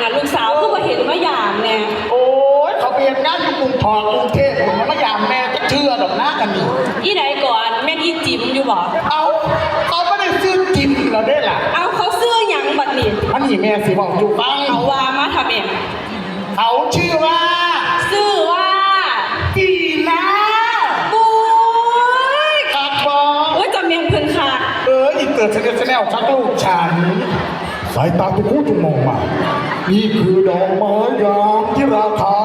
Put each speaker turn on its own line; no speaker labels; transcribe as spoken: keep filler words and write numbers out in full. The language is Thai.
อ่ะลูกสาวก็มาเห็นมาอย่างเนี่ย
โอ้ยเขาเปลี่ยนงานอยู่กรุงทองกรุงเทพผมมายามแม่ก็เชื่อดอกนะกันนี่
อีไหนก่อนแม่อีจิ๋มอยู่บ่
เอาเขาไม่ได้ซื้อกินเราได้ล่ะ
เอาเขาซื้อหยังบัดนี้
มันนี่แม่สิบอกอยู่ฟัง
เอาว่ามาทำเอง
เขาชื่อว่า
ชื่อว่า
จีน่า
ปุ้ย
ครับบอ
โอ้ยจำเมียงเพิ่นค่ะ
เอออีเกิดเสนอเสนอชักลูกฉันสายตาทุกคู่ทุกมองมานี่คือดอกไม้ยามที่ราคา